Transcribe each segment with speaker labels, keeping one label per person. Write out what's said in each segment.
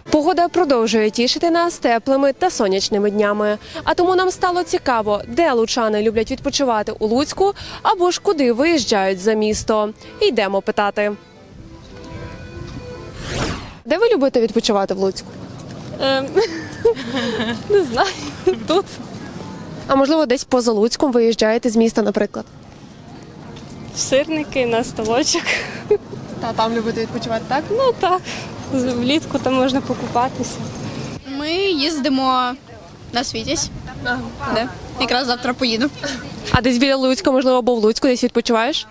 Speaker 1: Погода продовжує тішити нас теплими та сонячними днями. А тому нам стало цікаво, де лучани люблять відпочивати у Луцьку або ж куди виїжджають за місто. Йдемо питати. Де ви любите відпочивати в Луцьку?
Speaker 2: Не знаю, тут.
Speaker 1: А можливо, десь поза Луцьком виїжджаєте з міста, наприклад?
Speaker 2: Сирники на столочок.
Speaker 1: Та там любите відпочивати, так?
Speaker 2: Ну так, влітку там можна покупатися.
Speaker 3: Ми їздимо на Світязь. Да. Якраз завтра поїду.
Speaker 1: А десь біля Луцька, можливо, або в Луцьку десь відпочиваєш?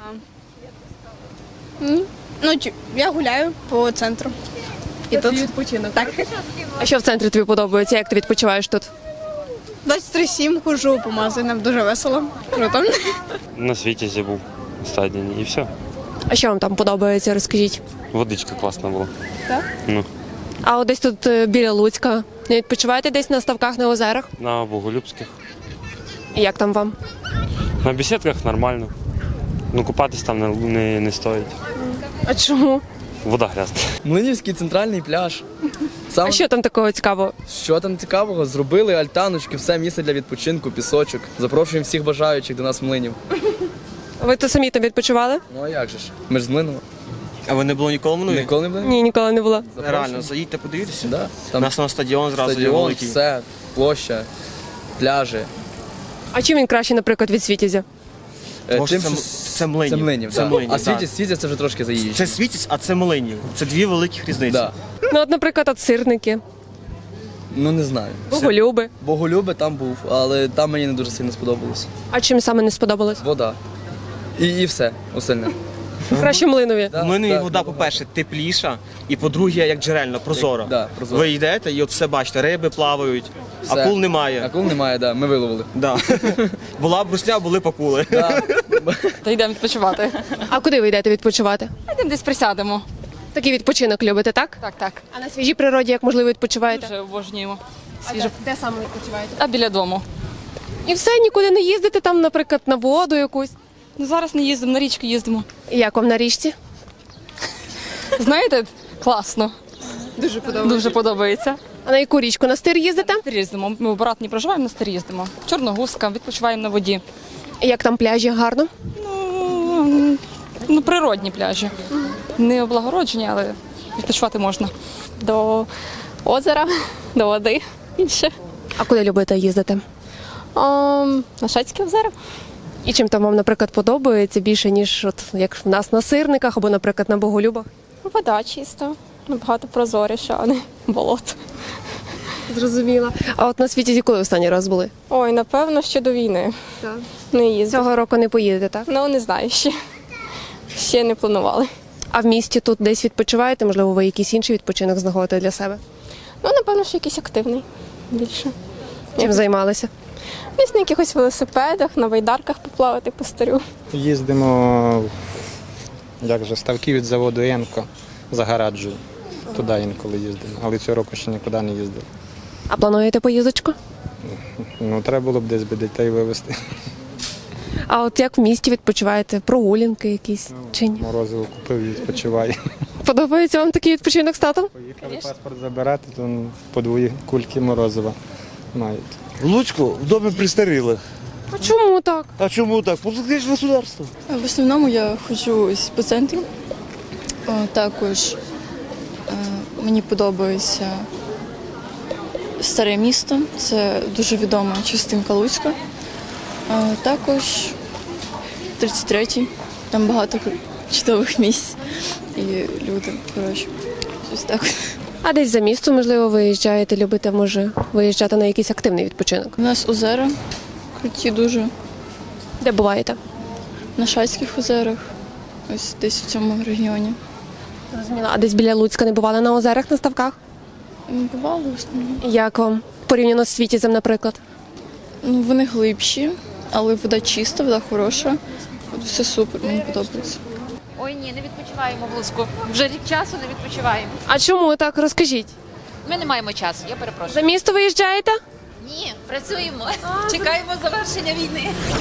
Speaker 3: Ну, я гуляю по центру. І тут
Speaker 1: відпочинок.
Speaker 3: так.
Speaker 1: А що в центрі тобі подобається? Як ти відпочиваєш тут?
Speaker 3: 23-7 хожу по магазинам, дуже весело. Круто.
Speaker 4: На Світязі був останній день і все.
Speaker 1: А що вам там подобається, розкажіть?
Speaker 4: Водичка класна була.
Speaker 1: Так?
Speaker 4: Ну,
Speaker 1: А от десь тут біля Луцька не відпочиваєте десь на ставках, на озерах?
Speaker 4: на Боголюбських.
Speaker 1: І як там вам?
Speaker 4: На бесідках нормально. Ну, купатись там не стоїть.
Speaker 1: А чому?
Speaker 4: Вода грязна.
Speaker 5: Млинівський центральний пляж.
Speaker 1: А що там такого цікавого?
Speaker 5: Що там цікавого? Зробили альтаночки, все місце для відпочинку, пісочок. Запрошуємо всіх бажаючих до нас в Млинів.
Speaker 1: Ви то самі там відпочивали?
Speaker 5: Ну а як же ж? Ми ж з Млинова.
Speaker 6: А ви не було ніколи в Млинові?
Speaker 5: Ніколи не були?
Speaker 1: Ні, ніколи не була.
Speaker 6: Реально, заїдьте, подивіться.
Speaker 5: Да.
Speaker 6: У
Speaker 5: Там
Speaker 6: нас на стадіон зразу є
Speaker 5: стадіон,
Speaker 6: великий.
Speaker 5: все, площа, пляжі.
Speaker 1: А чим він краще, наприклад, від Світязя?
Speaker 6: Тому що
Speaker 5: Тим, що
Speaker 6: це Млинів.
Speaker 5: Це Млинів,
Speaker 6: Це
Speaker 5: да.
Speaker 6: Млинів,
Speaker 5: А
Speaker 6: так.
Speaker 5: Світязь це вже трошки заїжджає.
Speaker 6: Це Світязь, а це Млинів. Це дві великих різниці.
Speaker 5: Да.
Speaker 1: Ну, от, наприклад, от сирники,
Speaker 5: Ну не знаю.
Speaker 1: Боголюби.
Speaker 5: Боголюби там був, але там мені не дуже сильно сподобалось.
Speaker 1: А чим саме не сподобалось?
Speaker 5: Вода. І все, остальне.
Speaker 1: Краще Млинові.
Speaker 5: Да,
Speaker 6: В Млинові
Speaker 5: да,
Speaker 6: вода,
Speaker 5: да.
Speaker 6: по-перше, тепліша, і по-друге, як джерельна, прозора.
Speaker 5: Да, прозора.
Speaker 6: Ви йдете і от все бачите, риби плавають,
Speaker 5: Все.
Speaker 6: акул немає.
Speaker 5: Акул немає, да, ми виловили.
Speaker 6: Да. Була брусня, були акули.
Speaker 5: Да.
Speaker 7: Та йдемо відпочивати.
Speaker 1: А куди ви йдете відпочивати?
Speaker 7: Йдемо десь присядемо.
Speaker 1: Такий відпочинок любите, так?
Speaker 7: Так, так.
Speaker 1: А на свіжій природі, як можливо, відпочиваєте?
Speaker 7: Дуже обожнюємо.
Speaker 1: А
Speaker 7: Свіже.
Speaker 1: де саме відпочиваєте?
Speaker 7: А біля дому.
Speaker 1: І все, нікуди не їздите там, наприклад, на воду якусь.
Speaker 7: Ну зараз не їздимо, на річку їздимо.
Speaker 1: І як вам на річці?
Speaker 7: Знаєте, класно. Дуже подобається.
Speaker 1: А на яку річку? На стир їздите?
Speaker 7: На стир їздимо. Ми в Братні проживаємо, на стир їздимо. Чорногузка, відпочиваємо на воді.
Speaker 1: І як там пляжі гарно?
Speaker 7: Ну, природні пляжі. Не облагороджені, але відпочивати можна.
Speaker 2: До озера, до води. Інше.
Speaker 1: А куди любите їздити?
Speaker 2: На Шацьке озеро.
Speaker 1: І чим там вам, наприклад, подобається більше, ніж от як в нас на Сирниках або, наприклад, на Боголюбах?
Speaker 2: Вода чиста, набагато прозоріша, а не болото.
Speaker 1: Зрозуміла. А от на Світязі коли останній раз були?
Speaker 2: Ой, напевно, ще до війни. Не їздив.
Speaker 1: Цього року не поїдете, так?
Speaker 2: Ну, не знаю ще. Ще не планували.
Speaker 1: А в місті тут десь відпочиваєте? Можливо, ви якийсь інший відпочинок знаходите для себе?
Speaker 2: Ну, напевно, що якийсь активний більше.
Speaker 1: Чим займалися?
Speaker 2: Десь на якихось велосипедах, на байдарках поплавати по старю.
Speaker 8: Їздимо, як же, ставки від заводу «Енко» Загораджую. Туди інколи їздимо, але цього року ще нікуди не їздив.
Speaker 1: А плануєте поїздочку?
Speaker 8: Ну, треба було б десь би дітей вивезти.
Speaker 1: А от як в місті відпочиваєте? Прогулянки якісь чи ні?
Speaker 8: Морозиво купив і відпочиваю.
Speaker 1: Подобається вам такий відпочинок з татом?
Speaker 8: Поїхали паспорт забирати, то по дві кульки морозива мають.
Speaker 9: В Луцьку в домі престарілих.
Speaker 1: А чому так?
Speaker 9: А чому так? Політичне государство.
Speaker 10: В основному я ходжу ось по центру. Також мені подобається Старе місто, це дуже відома частинка Луцька. Також 33-й, там багато чудових місць і люди, коротше, щось так.
Speaker 1: А десь за місто, можливо, виїжджаєте, любите, може, виїжджати на якийсь активний відпочинок?
Speaker 10: У нас озера круті дуже,
Speaker 1: Де буваєте?
Speaker 10: на Шацьких озерах, ось десь в цьому регіоні.
Speaker 1: Зрозуміла. А десь біля Луцька не бували на озерах, на ставках?
Speaker 10: Бувало в основному.
Speaker 1: Як вам? Порівняно з Світязем, наприклад?
Speaker 10: Ну, вони глибші, але вода чиста, вода хороша. От все супер, мені подобається.
Speaker 11: Ой, ні, не відпочиваємо в Луцьку. Вже рік часу не відпочиваємо.
Speaker 1: А чому так? Розкажіть.
Speaker 11: Ми не маємо часу, я перепрошую.
Speaker 1: За місто виїжджаєте?
Speaker 11: Ні, працюємо. Чекаємо завершення війни.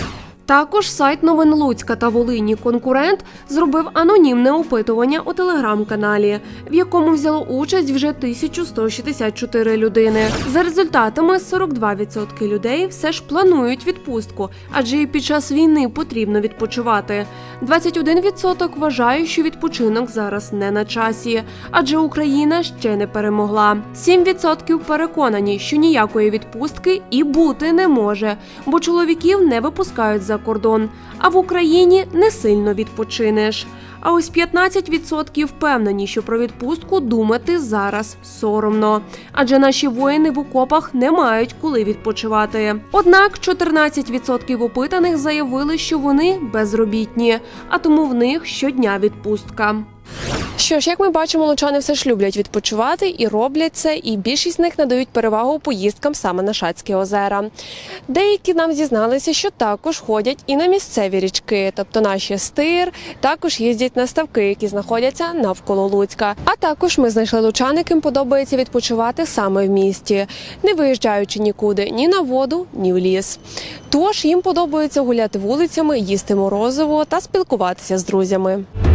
Speaker 1: Також сайт новин Луцька та Волині «Конкурент» зробив анонімне опитування у телеграм-каналі, в якому взяло участь вже 1164 людини. За результатами 42% людей все ж планують відпустку, адже і під час війни потрібно відпочивати. 21% вважає, що відпочинок зараз не на часі, адже Україна ще не перемогла. 7% переконані, що ніякої відпустки і бути не може, бо чоловіків не випускають за кордон, а в Україні не сильно відпочинеш. А ось 15% впевнені, що про відпустку думати зараз соромно, адже наші воїни в окопах не мають коли відпочивати. Однак 14% опитаних заявили, що вони безробітні, а тому в них щодня відпустка. Що ж, як ми бачимо, лучани все ж люблять відпочивати і роблять це, і більшість з них надають перевагу поїздкам саме на Шацькі озера. Деякі нам зізналися, що також ходять і на місцеві річки, тобто наші Стир, також їздять на ставки, які знаходяться навколо Луцька. А також ми знайшли лучан, яким подобається відпочивати саме в місті, не виїжджаючи нікуди, ні на воду, ні в ліс. Тож їм подобається гуляти вулицями, їсти морозиво та спілкуватися з друзями.